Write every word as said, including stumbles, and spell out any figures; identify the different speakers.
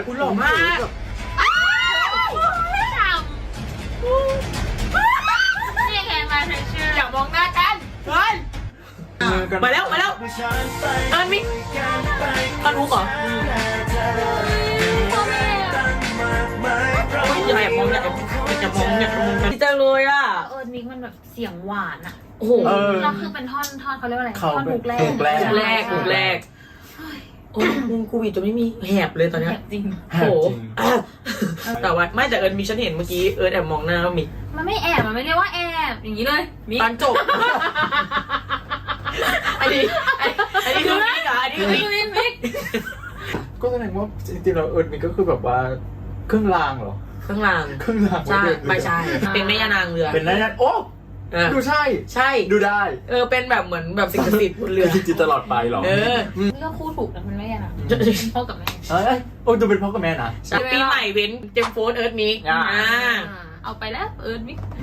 Speaker 1: คุณหล่อมาก
Speaker 2: นี่แค่มาเฉยๆ
Speaker 1: อยากมองหน้ากันเฮ้ยมาแล้วมาแล้วเอิญมิท่านรู้เหรออย่าแอบมองอย่าแอบอย่ามองอย่ามองกันดีจังเลยอ่ะ
Speaker 2: เออมิกมันแบบเสียงหวานอ่ะ
Speaker 1: โอ้โห
Speaker 2: เราคือเป็นท่อนท่อนเขาเรียกว่าอะไรท่อนฮุกแรก
Speaker 3: ฮุกแรก
Speaker 1: แรกกลุ่มแรกโอ้ยมึงกูบีจนไม่มีแหบเลยตอนเนี้ย
Speaker 2: จริง
Speaker 1: โอ้โหแต่ว่าไม่แต่เอิญมีฉันเห็นเมื่อกี้เอิญแอบมองหน้ามิ
Speaker 2: มันไม่แอบมันไม่เรียกว่าแอบอย่างนี้เลยมิก
Speaker 1: ตอนจบอันนี้อันนี้คือมิกอะอันนี้คือมิก
Speaker 2: มิกมิก
Speaker 3: ก็แสดงว่าจริงๆเราเอิร์ดมินก็คือแบบว่าเครื่องรางเหรอ
Speaker 1: ข้างล่าง
Speaker 3: เครื่องราง
Speaker 1: ใช่
Speaker 3: ว้เดินเรือ
Speaker 1: ไม่ใช่เป็นแม่ยานางเรือ
Speaker 3: เป็นนั่นโอ้
Speaker 1: เออ
Speaker 3: ดูใช่
Speaker 1: ใช่
Speaker 3: ดูได้
Speaker 1: เออเป็นแบบเหมือนแบบสิ่งศักดิ์สิทธิ์บนเรือ
Speaker 3: จริงๆตลอดไปเหรอ
Speaker 1: เออ
Speaker 2: เลือกคู่ถูกนะมันไม่ยังอ่ะพ่อกับแม่
Speaker 3: เอ้ยโอ้ดูเป็นพ่อกับแม่นะ
Speaker 1: ปีใหม่เว้นเจมโฟนเอิร์ธมิก
Speaker 3: อ่า
Speaker 1: อ่า
Speaker 2: เอาไปแล้วเอิร์ดมิก